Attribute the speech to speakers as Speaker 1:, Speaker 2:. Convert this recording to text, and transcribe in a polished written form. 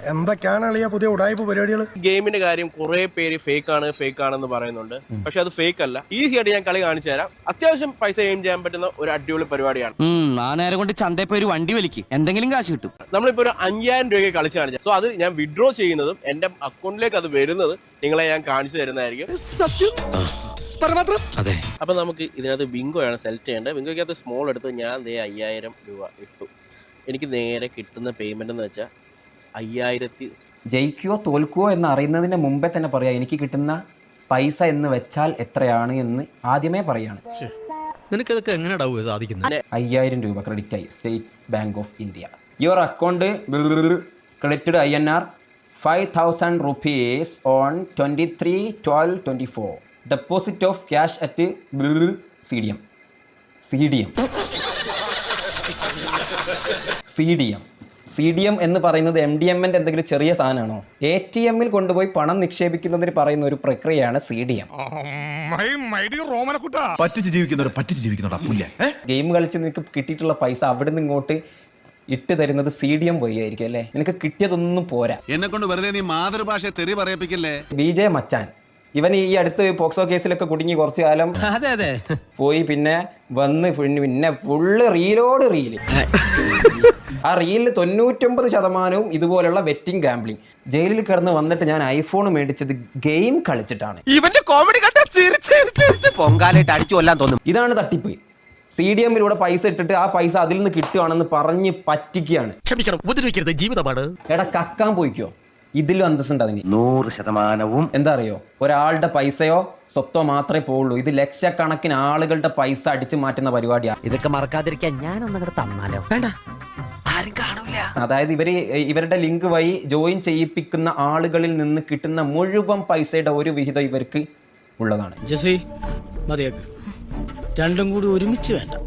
Speaker 1: എന്തൊക്കെയാണ് അളിയ പുതിയ ഉടായ്പ പരിപാടികൾ?
Speaker 2: ഗെയിമിന്റെ കാര്യം കുറെ പേര് ഫേക്ക് ആണെന്ന് പറയുന്നുണ്ട്. പക്ഷെ അത് ഫേക്ക് അല്ല. ഈസി ആയിട്ട് ഞാൻ കളി കാണിച്ചു തരാം. അത്യാവശ്യം പൈസ എയിം ചെയ്യാൻ പറ്റുന്ന ഒരു അടിപൊളി പരിപാടിയാണ്.
Speaker 3: ആ നേരം കൊണ്ട് ചന്തയിൽ പോയി ഒരു വണ്ടി വലിക്കും, എന്തെങ്കിലും കാശ് കിട്ടും.
Speaker 2: നമ്മളിപ്പോ ഒരു 5000 രൂപയ്ക്ക് കളിച്ച് കാണിച്ചു. സോ അത് ഞാൻ വിഡ്രോ ചെയ്യുന്നതും എന്റെ അക്കൗണ്ടിലേക്ക് അത് വരുന്നത് നിങ്ങളെ ഞാൻ കാണിച്ചു തരുന്നതായിരിക്കും. അപ്പൊ നമുക്ക് ഇതിനകത്ത് ബിങ്കോയാണ് സെലക്ട് ചെയ്യേണ്ടത്. ബിങ്കോയ്ക്കകത്ത് സ്മോൾ എടുത്ത് ഞാൻ 5000 രൂപ ഇട്ടു. എനിക്ക് നേരെ കിട്ടുന്ന പേയ്മെന്റ് എന്ന് വെച്ചാൽ 5000.
Speaker 4: ജയിക്കുകയോ തോൽക്കുകയോ എന്ന് അറിയുന്നതിന് മുമ്പേ തന്നെ പറയാം എനിക്ക് കിട്ടുന്ന പൈസ എന്ന് വെച്ചാൽ എത്രയാണ് എന്ന് ആദ്യമേ പറയാണ്.
Speaker 5: നിനക്കതൊക്കെ എങ്ങനെയാ സാധിക്കുന്നത്?
Speaker 4: 5000 രൂപ ക്രെഡിറ്റ് ആയി State Bank of India. Your account credited INR 5000 rupees on 23/12/24. Deposit of cash at CDM എന്ന് പറയുന്നത് MDMന്റെ എന്തെങ്കിലും ചെറിയ സാധനമാണോ? ATMൽ കൊണ്ടുപോയി പണം നിക്ഷേപിക്കുന്നതിന് പറയുന്ന ഒരു പ്രക്രിയയാണ് CDM. ഗെയിം കളിച്ച് നിനക്ക് കിട്ടിയിട്ടുള്ള പൈസ അവിടെ നിന്ന് ഇങ്ങോട്ട് ഇട്ട് തരുന്നത് CDM വഴി ആയിരിക്കും അല്ലേ? നിനക്ക് കിട്ടിയതൊന്നും പോരാ.
Speaker 6: എന്നെ കൊണ്ട് വെറുതെ നീ മാതൃഭാഷ തെറി പറയിപ്പിക്കല്ലേ.
Speaker 4: BJ മച്ചാൻ ഇവൻ ഈ അടുത്ത് പോക്സോ കേസിലൊക്കെ കുടുങ്ങി കുറച്ചു കാലം പോയി, പിന്നെ വന്ന് പിന്നെ ഫുള്ള് റീലോട് റീല്. ആ റീലിൽ 99% ഇതുപോലുള്ള വെറ്റിംഗ് ഗാംബ്ലിംഗ്. ജയിലിൽ കിടന്ന് വന്നിട്ട് ഞാൻ ഐഫോൺ മേടിച്ചത് ഗെയിം കളിച്ചിട്ടാണ്.
Speaker 6: ഇവന്റെ കോമഡി പൊങ്കാലായിട്ട് അടിച്ചു കൊല്ലാൻ തോന്നും.
Speaker 4: ഇതാണ് തട്ടിപ്പ്. CDMലൂടെ പൈസ ഇട്ടിട്ട് ആ പൈസ അതിൽ നിന്ന് കിട്ടുവാണെന്ന് പറഞ്ഞ് പറ്റിക്കുകയാണ്.
Speaker 5: ക്ഷമിക്കണം, ഉപദ്രവിക്കരുത്, ജീവിതമാണ്.
Speaker 4: എടാ കക്കാൻ പോയിക്കോ, ഇതിലും അന്തസ്സുണ്ട് അതിന്.
Speaker 6: 100%
Speaker 4: എന്താ അറിയോ, ഒരാളുടെ പൈസയോ സ്വത്തോ മാത്രമേ പോവുള്ളൂ. ഇത് ലക്ഷക്കണക്കിന് ആളുകളുടെ പൈസ അടിച്ചു മാറ്റുന്ന പരിപാടിയാണ്.
Speaker 3: ഇതൊക്കെ മറക്കാതിരിക്കാൻ ഞാനൊന്നും തന്നാലോ? വേണ്ട, ആരും കാണൂല.
Speaker 4: അതായത് ഇവരുടെ ലിങ്ക് വഴി ജോയിൻ ചെയ്യിപ്പിക്കുന്ന ആളുകളിൽ നിന്ന് കിട്ടുന്ന മുഴുവൻ പൈസയുടെ ഒരു വിഹിതം ഇവർക്ക് ഉള്ളതാണ്.
Speaker 5: ജസി മതിയാക്ക്, രണ്ടും കൂടി ഒരുമിച്ച് വേണ്ട.